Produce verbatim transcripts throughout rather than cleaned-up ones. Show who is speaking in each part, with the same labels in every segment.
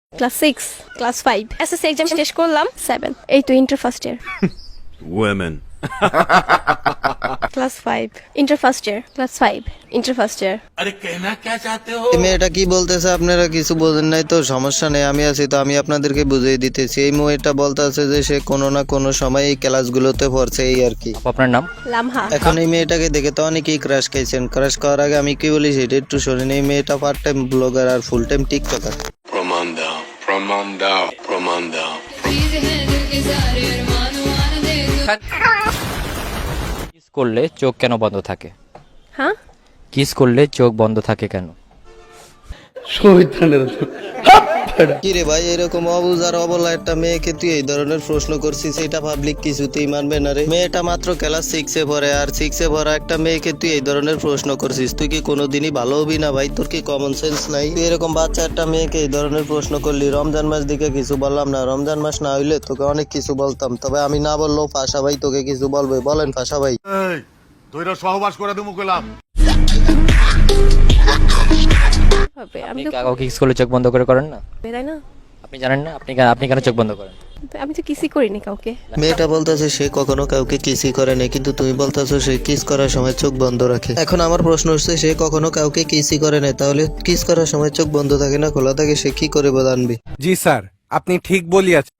Speaker 1: Class six, class five, SSC exam শেষ করলাম seven, এই তো inter first year.
Speaker 2: Women.
Speaker 1: Class five, inter first year, class five, inter first year.
Speaker 2: अरे कहना क्या चाहते हो?
Speaker 3: এই মেয়েটা কি বলতেছে আপনারা কিছু বোঝেন নাই তো, সমস্যা নেই, আমি আছি তো, আমি আপনাদেরকে বুঝিয়ে দিতেছি। এই মেয়েটা বলতেছে যে সে কোনো না কোনো সময় এই ক্লাসগুলোতে পড়ছে, এই আর কি।
Speaker 4: আপু, আপনার নাম?
Speaker 1: লামহা।
Speaker 3: এখন এই মেয়েটাকে দেখে তো অনেকেই ক্রাশ খাইছেন। ক্রাশ করার আগে আমি কি বলি সেটা একটু শোনেন। এই মেয়েটা পার্ট টাইম ব্লগার আর full time TikToker.
Speaker 2: Pramanda, Pramanda, Pramanda.
Speaker 4: Kiss করলে চোখ কেন বন্ধ থাকে?
Speaker 1: হ্যাঁ,
Speaker 4: কিস করলে চোখ বন্ধ থাকে কেন?
Speaker 3: কি রে ভাই, এরকম অবুঝ আর অবলা একটা মেয়েকে তুই এই ধরনের প্রশ্ন করছিস, এটা পাবলিক কিছুতেই মানবে না রে। মেয়েটা মাত্র ক্লাস সিক্সে পড়ে, আর সিক্সে পড়া একটা মেয়েকে তুই এই ধরনের প্রশ্ন করছিস। তুই কি কোনোদিনই ভালো হবি না ভাই? তোর কি কমন সেন্স নাই? তুই এরকম বাচ্চা একটা মেয়েকে এই ধরনের প্রশ্ন করলি। রমজান মাস দিকে কিছু বললাম না, রমজান মাস না হইলে তোকে অনেক কিছু বলতাম, তবে আমি না বললেও ফাঁসা ভাই তোকে কিছু বলবে। বলেন ফাঁসা ভাই।
Speaker 5: এই দুইটা সহবাস করে দিমু কইলাম।
Speaker 1: হবে। আমি
Speaker 4: আপনি
Speaker 1: তো
Speaker 4: কাউকে কিস করলে চোখ বন্ধ করে করেন না?
Speaker 1: বেরাই না,
Speaker 4: আপনি জানেন না? আপনি কেন- আপনি কেন চোখ বন্ধ করেন?
Speaker 1: আমি তো কিছুই করিনি কাউকে।
Speaker 3: মেয়েটা বলতেছে সে কখনো কাউকে কিসই করে না, কিন্তু তুমি বলতেছো সে কিস করার সময় চোখ বন্ধ রাখে। এখন আমার প্রশ্ন হচ্ছে, সে কখনো কাউকে কিসই করে না, তাহলে কিস করার সময় চোখ বন্ধ থাকে না খোলা থাকে, সে কি করে জানবে?
Speaker 6: জি স্যার, আপনি ঠিক বলিয়াছেন।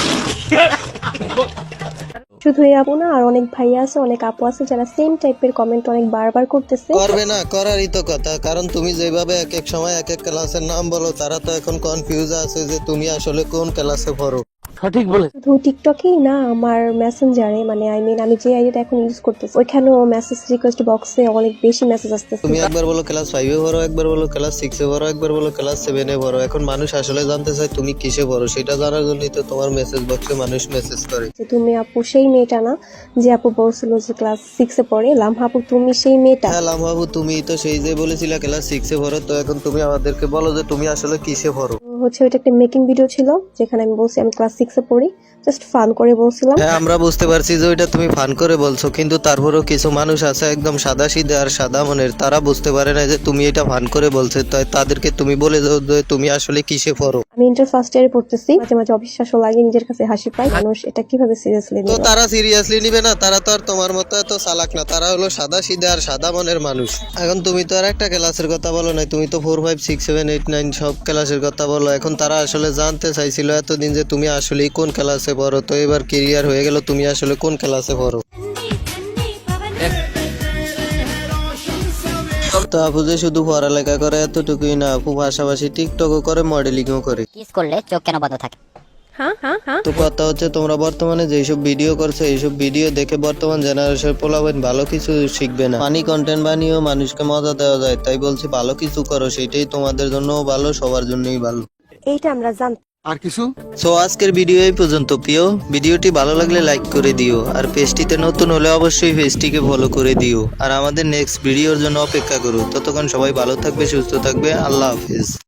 Speaker 7: শুধু এই আপু না, আর অনেক ভাইয়া আছে, অনেক আপু আছে যারা সেম টাইপের কমেন্ট অনেক বারবার করতেছে।
Speaker 3: করবে না, করারই তো কথা। কারণ তুমি যেভাবে এক এক সময় এক এক ক্লাসের নাম বলো, তারা তো এখন কনফিউজ আছে যে তুমি আসলে কোন ক্লাসে পড়ো।
Speaker 7: শুধু টিকটকেই না, আমার মেসেঞ্জারে, মানে আই মিন আমি যে আইডিটা এখন ইউজ করতেছি ওইখানেও মেসেজ রিকোয়েস্ট বক্সে অনেক বেশি মেসেজ আসতেছে।
Speaker 3: তুমি একবার বলো ক্লাস ফাইভে পড়ো, একবার বলো ক্লাস সিক্সে পড়ো, একবার বলো ক্লাস সেভেনে পড়ো। এখন মানুষ আসলে জানতে চায় তুমি কিসে পড়ো, সেটা জানার জন্যই তো তোমার মেসেজ বক্সে মানুষ মেসেজ করে।
Speaker 7: যে তুমি আপু সেই মেয়েটা না যে আপু বলছিল যে ক্লাস সিক্সে পড়ে। লামহা আপু তুমি সেই মেয়েটা?
Speaker 3: হ্যাঁ লামবাবু, তুমি তো সেই যে বলেছিলে ক্লাস সিক্সে পড়ো, তো এখন তুমি আমাদেরকে বলো যে তুমি আসলে কিসে পড়ো।
Speaker 7: হচ্ছে ওইটা একটা মেকিং ভিডিও ছিল যেখানে আমি বলছি আমি ক্লাস সিক্সে পড়ি, জাস্ট ফান করে বলছিলাম।
Speaker 3: হ্যাঁ আমরা বুঝতে পারছি যে ওইটা তুমি ফান করে বলছো, কিন্তু তারপরেও কিছু মানুষ আছে একদম সাদা সিধে আর সাদা মনের, তারা বুঝতে পারে না যে তুমি এটা ফান করে বলছো। তাই তাদেরকে তুমি বলে দাও যে তুমি আসলে কিসে পড়ো।
Speaker 7: আমি ইন্টার ফার্স্ট ইয়ারে পড়তেছি, মাঝে মাঝে অবিশ্বাসও লাগে, নিজের কাছে হাসি পায়, মানুষ এটা কিভাবে সিরিয়াসলি
Speaker 3: তো
Speaker 7: নেবে।
Speaker 3: তারা সিরিয়াসলি নিবে না, তারা তো আর তোমার মতো এত চালাক না, তারা হলো সাদা সিধে আর সাদা মনের মানুষ। এখন তুমি তো আর একটা ক্লাসের কথা বলো না, তুমি তো four five six seven eight nine সব ক্লাসের কথা বলো। এখন তারা আসলে জানতে চাইছিল এতদিন যে তুমি আসলে কোন ক্লাসে পড়ো, তো এবার ক্লিয়ার হয়ে গেল তুমি আসলে কোন ক্লাসে পড়ো। তো আপু যে শুধু পড়ালেখা করে এতটুকুই না, আপু পাশাপাশি টিকটকও করে, মডেলিংও করে।
Speaker 8: কিস করলে চোখ কেন বন্ধ থাকে?
Speaker 1: হ্যাঁ হ্যাঁ হ্যাঁ,
Speaker 3: তো কথা হচ্ছে তোমরা বর্তমানে যেসব ভিডিও করছো, এইসব ভিডিও দেখে বর্তমান জেনারেশন পোলাবেন ভালো কিছু শিখবে না। ফানি কন্টেন্ট বানিয়েও মানুষকে মজা দেওয়া যায়, তাই বলছি ভালো কিছু করো, সেটাই তোমাদের জন্যও ভালো, সবার জন্যই ভালো।
Speaker 7: এইটা আমরা জানতাম।
Speaker 5: আর কিছু?
Speaker 3: সো আজকের ভিডিও এই পর্যন্ত। প্রিয় ভিডিওটি ভালো লাগলে লাইক করে দিও, আর পেজটিতে নতুন হলে অবশ্যই পেজটিকে ফলো করে দিও, আর আমাদের নেক্সট ভিডিওর জন্য অপেক্ষা করো। ততক্ষণ সবাই ভালো থাকবে, সুস্থ থাকবে, আল্লাহ হাফেজ।